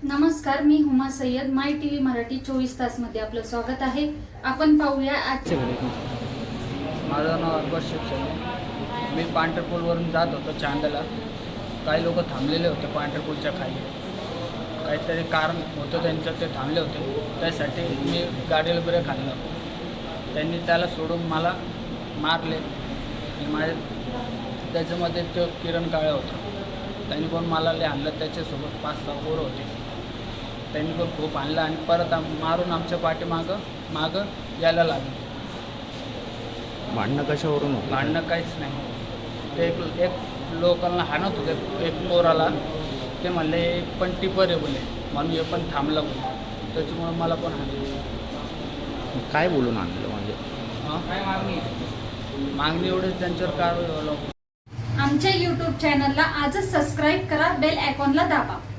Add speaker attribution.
Speaker 1: नमस्कार, मी Huma Sayyed. My TV Marathi 24 तास मध्ये आपलं स्वागत आहे. आपण पाहूया आजचे.
Speaker 2: माझं नाव अकबर शेख. मी पांढरपूलवरून जात होतो चांदला. काही लोक थांबलेले होते पांढरपूलच्या खाली. काहीतरी कारण होतं त्यांचं, ते थांबले होते. त्यासाठी मी गाडीला ब्रेक आणला. त्यांनी त्याला सोडून मला मारले. माझ्या त्याच्यामध्ये तो किरण काळे होता. त्यांनी पण मला लय आणलं. त्याच्यासोबत 5-6 पोरं होते. त्यांनी पण खूप आणलं आणि परत मारून आमच्या मागं यायला लागलं.
Speaker 3: भांडणं कशावरून होतं?
Speaker 2: भांडणं काहीच नाही. ते एक लोकांना हाणत होते. एक पोराला ते म्हणले पण टिपर आहे बोले, म्हणून हे पण थांबलं बोले. त्याच्यामुळे मला पण हाणलं.
Speaker 3: काय बोलून आणलं म्हणजे?
Speaker 2: काय मागणी एवढेच त्यांच्यावर कारवाई व्हायला.
Speaker 1: आमच्या YouTube चॅनलला आजच सबस्क्राईब करा, बेल आयकॉनला दाबा.